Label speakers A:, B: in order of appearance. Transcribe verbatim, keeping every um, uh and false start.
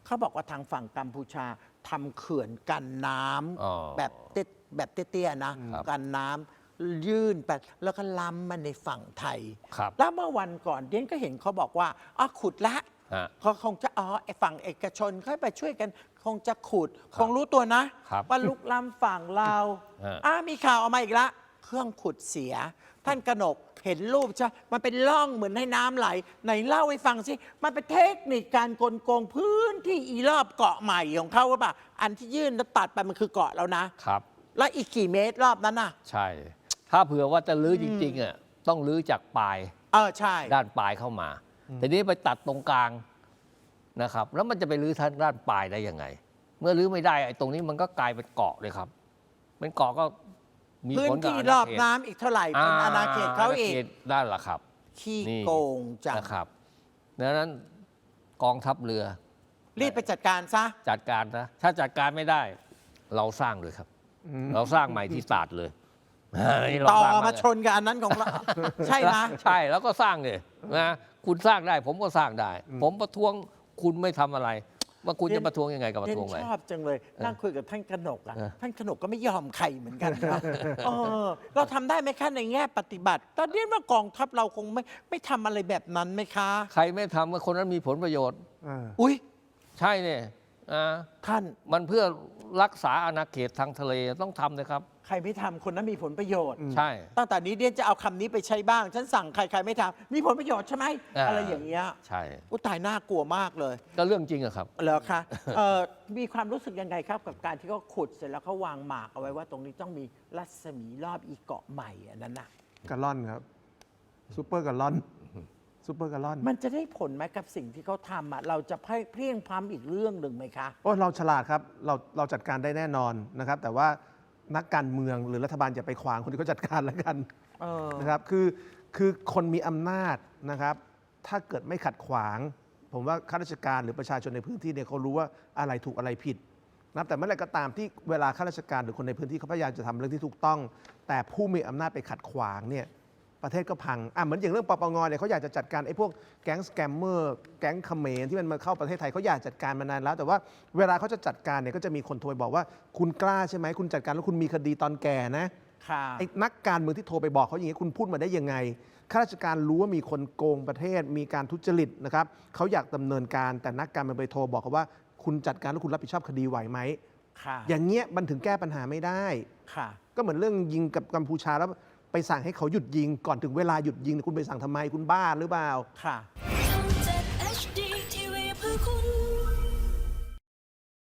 A: เขาบอกว่าทางฝั่งกัมพูชาทำเขื่อนกันน้ำแบบเตแบบเตี้ยๆนะกันน้ำยื่นไปแล้วก็ล้ำมาในฝั่งไทยแล้วเมื่อวันก่อนเดียนก็เห็นเขาบอกว่าอ๋อขุดละเขาคงจะอ๋อไอ้ฝั่งเอกชนเขาไปช่วยกันคงจะขุดคงรู้ตัวนะว่าลุกล้ำฝั่งเราอ้ามีข่าวออกมาอีกละเครื่องขุดเสียท่านกนกเห็นรูปใช่มันเป็นร่องเหมือนให้น้ำไหลไหนเล่าให้ฟังสิมันเป็นเทคนิคการกลโกงพื้นที่อีรอบเกาะใหม่ของเขาว่าป่ะอันที่ยื่นแล้วตัดไปมันคือเกาะแล้วนะครับแล้วอีกกี่เมตรรอบนั้นน่ะ
B: ใช่ถ้าเผื่อว่าจะลื้อจริงๆอ่ะต้องลื้อจากปลาย
A: เออใช่
B: ด้านปลายเข้ามาแต่นี้ไปตัดตรงกลางนะครับแล้วมันจะไปลื้อทางด้านปลายได้ยังไงเมื่อลื้อไม่ได้ไอ้ตรงนี้มันก็กลายเป็นเกาะเลยครับเป็นเกาะก็
A: มีพื้นที่รอบน้ำอีกเท่าไหร่เป็นอาณาเขตเขาอีก
B: ด้านละครับ
A: ขี้โกงจัง
B: นะครับดังนั้นกองทัพเรือ
A: รีบไปจัดการซะ
B: จัดการนะถ้าจัดการไม่ได้เราสร้างเลยครับเราสร้างใหม่ที่ศาสตร์เลย
A: ต่อมาชนกับอันนั้นของเราใช่ไหม
B: ใช่แล้วก็สร้างเลยนะคุณสร้างได้ผมก็สร้างได้ ผมประท้วงคุณไม่ทำอะไรว่าคุณจะประท้วงยังไงกับประท้วงอะไร
A: ชอบจังเลยนั่งคุยกับท่านกนกอ่ะท่านกนกก็ไม่ยอมใครเหมือนกันครับเราทำได้ไหมคะในแง่ปฏิบัติตอนนี้ว่ากองทัพเราคงไม่ไม่ทำอะไรแบบนั้นไหมคะ
B: ใครไม่ทำว่าคนนั้นมีผลประโยชน์
A: อุ้ย
B: ใช่เนี่ย
A: ท่าน
B: มันเพื่อรักษาอาณาเขตทางทะเลต้องทำนะครับ
A: ใครไม่ทำคนนั้นมีผลประโยชน์
B: ใช่
A: ตั้งแต่นี้เดียนจะเอาคำนี้ไปใช้บ้างฉันสั่งใครใครไม่ทำมีผลประโยชน์ใช่ไหมอะไรอย่างเงี้ย
B: ใช่
A: อุยตายน่ากลัวมากเลย
B: ก็เรื่องจริงอะครับ
A: เหรอคะมีความรู้สึกยังไงครับกับการที่เขาขุดเสร็จแล้วเขาวางหมากเอาไว้ว่าตรงนี้ต้องมีรัศมีรอบอีเกาะใหม่อันนั้นน่ะ
C: กะล่อนครับซูเปอร์กะล่อนซูเปอร์กะล่อน
A: มันจะได้ผลไหมกับสิ่งที่เขาทำอ่ะเราจะเพี้ยงพล้ำอีกเรื่องหนึ่งไหมคะ
C: โอ้เราฉลาดครับเราเราจัดการได้แน่นอนนะครับแต่ว่านักการเมืองหรือรัฐบาลอย่าไปขวางคนที่เขาจัดการแล้วกันนะครับคือคือคนมีอำนาจนะครับถ้าเกิดไม่ขัดขวางผมว่าข้าราชการหรือประชาชนในพื้นที่เนี่ยเขารู้ว่าอะไรถูกอะไรผิดนะแต่เมื่อไรก็ตามที่เวลาข้าราชการหรือคนในพื้นที่เขาพยายามจะทำเรื่องที่ถูกต้องแต่ผู้มีอำนาจไปขัดขวางเนี่ยประเทศก็พังอ่ะเหมือนอย่างเรื่องปปงเนี่ยเขาอยากจะจัดการไอ้พวกแก๊งสแกมเมอร์แก๊งเขมรที่มันมาเข้าประเทศไทยเขาอยากจัดการมานานแล้วแต่ว่าเวลาเขาจะจัดการเนี่ยก็จะมีคนโทรบอกว่าคุณกล้าใช่ไหมคุณจัดการแล้วคุณมีคดีตอนแก่นะไอ้นักการเมืองที่โทรไปบอกเขาอย่างนี้คุณพูดมาได้ยังไงข้าราชการรู้ว่ามีคนโกงประเทศมีการทุจริตนะครับเขาอยากดำเนินการแต่นักการเมืองไปโทรบอกเขาว่าคุณจัดการแล้วคุณรับผิดชอบคดีไหวไหมอย่างเงี้ยมันถึงแก้ปัญหาไม่ได้ก็เหมือนเรื่องยิงกับกัมพูชาแล้วไปสั่งให้เขาหยุดยิงก่อนถึงเวลาหยุดยิงคุณไปสั่งทำไมคุณบ้าหรือเปล่า
A: ค่ะ